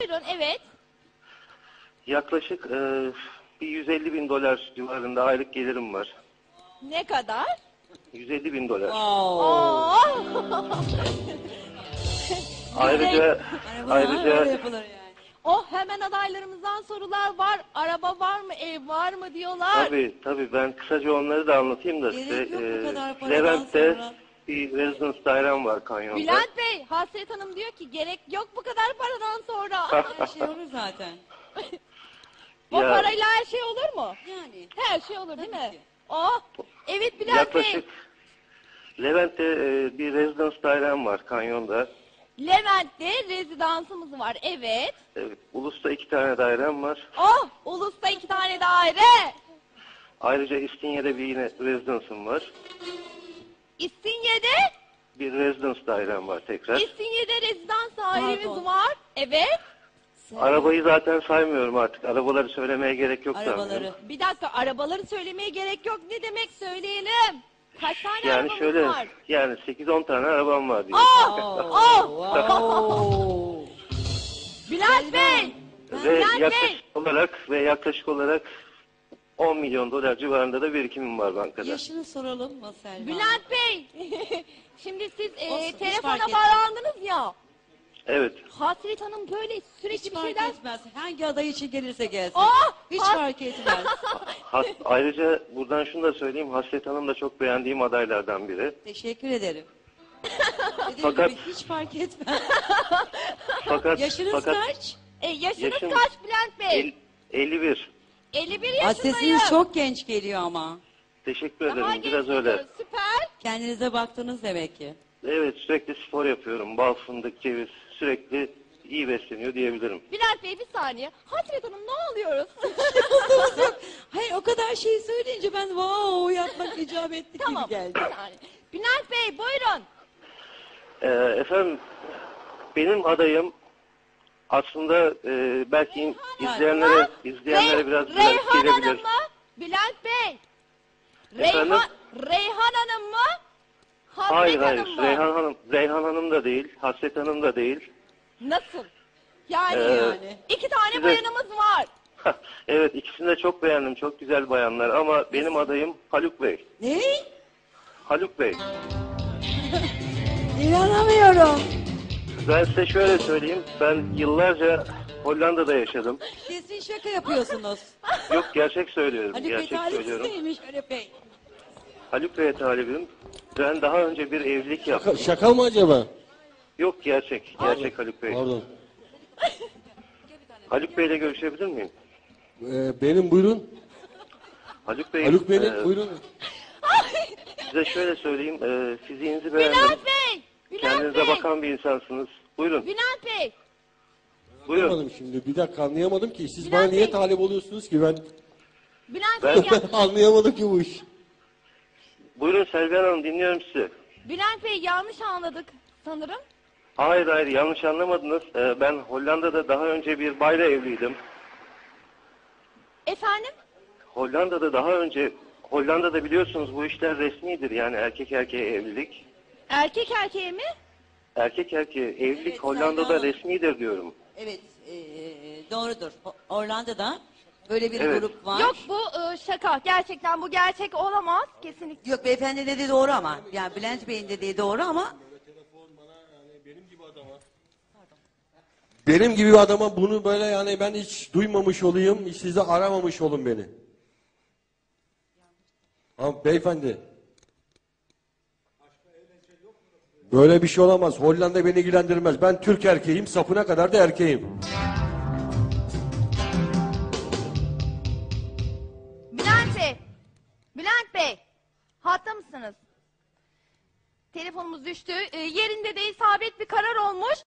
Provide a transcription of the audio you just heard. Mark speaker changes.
Speaker 1: Buyurun, evet.
Speaker 2: Yaklaşık bir 150 bin dolar civarında aylık gelirim var.
Speaker 1: Ne kadar?
Speaker 2: 150 bin dolar.
Speaker 1: Oo.
Speaker 2: Ayrıca
Speaker 3: Öyle yapılır yani.
Speaker 1: Oh, hemen adaylarımızdan sorular var. Araba var mı, ev var mı diyorlar.
Speaker 2: tabii ben kısaca onları da anlatayım da size.
Speaker 3: Gerek yok bu kadar paradan
Speaker 2: Levent'te
Speaker 3: sonra.
Speaker 2: bir residence dairem var kanyonda.
Speaker 1: Bülent Bey, Hasret Hanım diyor ki gerek yok bu kadar paradan sonra.
Speaker 3: Her şey olur zaten.
Speaker 1: O
Speaker 2: Ya-
Speaker 1: parayla her şey olur mu?
Speaker 3: Yani.
Speaker 1: Her şey olur değil
Speaker 3: Tabii
Speaker 1: mi?
Speaker 3: ki.
Speaker 1: Oh, evet Bülent
Speaker 2: Yaklaşık
Speaker 1: Bey.
Speaker 2: Levent'te bir residence dairem var kanyonda.
Speaker 1: Levent'te rezidansımız var, evet.
Speaker 2: Ulus'ta 2 tane dairem var.
Speaker 1: Oh, Ulus'ta 2 tane daire.
Speaker 2: Ayrıca İstinye'de bir yine residence'ım var.
Speaker 1: İstinye'de,
Speaker 2: Bir residence dairem var tekrar.
Speaker 1: İstinye'de rezidans dairemiz
Speaker 3: Pardon.
Speaker 1: var. Evet.
Speaker 2: Arabayı zaten saymıyorum artık. Arabaları söylemeye gerek yok
Speaker 3: Arabaları.
Speaker 2: sanırım.
Speaker 1: Bir dakika, arabaları söylemeye gerek yok. Ne demek söyleyelim? Kaç tane
Speaker 2: Yani
Speaker 1: arabamız
Speaker 2: şöyle,
Speaker 1: var?
Speaker 2: yani 8-10 tane arabam var diyor.
Speaker 1: Oh!
Speaker 3: Wow.
Speaker 1: Bülent Bey!
Speaker 2: Ve
Speaker 1: Bülent Bey!
Speaker 2: yaklaşık olarak 10 milyon dolar civarında da birikimim var bankada.
Speaker 3: Yaşını soralım mı Selma?
Speaker 1: Bülent Bey! Şimdi siz
Speaker 3: Olsun, hiç
Speaker 1: telefona
Speaker 3: fark
Speaker 1: bağlandınız ya.
Speaker 2: Evet.
Speaker 1: Hasret Hanım böyle sürekli
Speaker 3: Hiç
Speaker 1: bir
Speaker 3: fark
Speaker 1: şeyler...
Speaker 3: etmez. Hangi aday için gelirse gelsin.
Speaker 1: Oh!
Speaker 3: Hiç fark etmez.
Speaker 2: Ayrıca buradan şunu da söyleyeyim. Hasret Hanım da çok beğendiğim adaylardan biri.
Speaker 3: Teşekkür ederim. Dediğim
Speaker 2: Fakat-
Speaker 3: gibi hiç fark etmez.
Speaker 2: Fakat
Speaker 3: Yaşınız kaç?
Speaker 1: Yaşınız
Speaker 2: Yaşım-
Speaker 1: kaç Bülent Bey?
Speaker 2: 51.
Speaker 1: 51
Speaker 3: Aa,
Speaker 1: yaşındayım.
Speaker 3: sesiniz çok genç geliyor ama.
Speaker 2: Teşekkür ederim.
Speaker 1: Daha
Speaker 2: Biraz
Speaker 1: genç
Speaker 2: öyle.
Speaker 1: geliyor, süper.
Speaker 3: Kendinize baktınız demek ki.
Speaker 2: Evet, sürekli spor yapıyorum. Bal, fındık, ceviz. Sürekli iyi besleniyor diyebilirim.
Speaker 1: Bülent Bey bir saniye. Hasret Hanım ne oluyoruz?
Speaker 3: Hayır o kadar şey söyleyince ben wow yapmak icap etti
Speaker 1: Tamam.
Speaker 3: gibi geldi.
Speaker 1: Bir saniye. Bülent Bey buyurun.
Speaker 2: Efendim, benim adayım aslında belki izleyenlere biraz
Speaker 1: Reyhan
Speaker 2: gelebilir.
Speaker 1: Hanım mı? Bülent Bey.
Speaker 2: Efendim?
Speaker 1: Reyhan Hanım mı? Hasret
Speaker 2: Hayır,
Speaker 1: Hanım mı?
Speaker 2: Reyhan Hanım da değil, Hasret Hanım da değil.
Speaker 1: Nasıl? Yani,
Speaker 3: Yani.
Speaker 1: 2 tane
Speaker 2: size-
Speaker 1: bayanımız var.
Speaker 2: Evet, ikisini de çok beğendim, çok güzel bayanlar ama benim adayım Haluk Bey.
Speaker 3: Ne?
Speaker 2: Haluk Bey,
Speaker 3: İnanamıyorum.
Speaker 2: ben size şöyle söyleyeyim, ben yıllarca Hollanda'da yaşadım.
Speaker 3: Kesin şaka yapıyorsunuz.
Speaker 2: Yok, gerçek söylüyorum,
Speaker 3: Haluk Bey
Speaker 2: gerçek söylüyorum.
Speaker 3: talihsizliymiş Haluk Bey.
Speaker 2: Haluk Bey'e talibim. Ben daha önce bir evlilik yaptım.
Speaker 4: Şaka mı acaba?
Speaker 2: Yok, gerçek Haluk Bey.
Speaker 4: Pardon.
Speaker 2: Haluk Bey'le görüşebilir miyim?
Speaker 4: Benim buyurun.
Speaker 2: Haluk Bey,
Speaker 4: Haluk Bey'in buyurun.
Speaker 2: size şöyle söyleyeyim, fiziğinizi beğendim.
Speaker 1: Bülent Bey. Bülent
Speaker 2: Kendinize
Speaker 1: Bey.
Speaker 2: bakan bir insansınız. Buyurun,
Speaker 1: Bülent Bey.
Speaker 2: buyurun.
Speaker 4: Anlamadım şimdi. Bir dakika anlayamadım ki. Siz
Speaker 1: Bülent
Speaker 4: bana niye
Speaker 1: Bey.
Speaker 4: talip oluyorsunuz ki ben?
Speaker 1: Bülent
Speaker 2: Ben-
Speaker 1: Bey.
Speaker 4: Anlayamadım ki bu iş.
Speaker 2: Buyurun Selvihan Hanım, dinliyorum sizi.
Speaker 1: Bülent Bey yanlış anladık sanırım.
Speaker 2: Hayır, yanlış anlamadınız. Ben Hollanda'da daha önce bir bayla evliydim.
Speaker 1: Efendim?
Speaker 2: Hollanda'da biliyorsunuz bu işler resmidir. Yani erkek erkeğe evlilik.
Speaker 1: Erkek erkeğe mi?
Speaker 2: Erkek erkeğe evlilik
Speaker 3: Evet,
Speaker 2: Hollanda'da
Speaker 3: Selma Hanım.
Speaker 2: resmidir diyorum.
Speaker 3: Evet doğrudur. Orlando'da böyle bir
Speaker 2: Evet.
Speaker 3: grup var.
Speaker 1: Yok bu şaka. Gerçekten bu gerçek olamaz. Kesinlikle.
Speaker 3: Yok beyefendi dediği doğru ama. Yani Bülent Bey'in dediği doğru ama.
Speaker 4: Benim gibi bir adama bunu böyle yani ben hiç duymamış olayım. Hiç size aramamış olun beni. Ha, beyefendi. Böyle bir şey olamaz. Hollanda beni ilgilendirmez. Ben Türk erkeğim. Sapına kadar da erkeğim.
Speaker 1: Bülent Bey. Bülent Bey. Hatta mısınız? Telefonumuz düştü. Yerinde de isabet bir karar olmuş.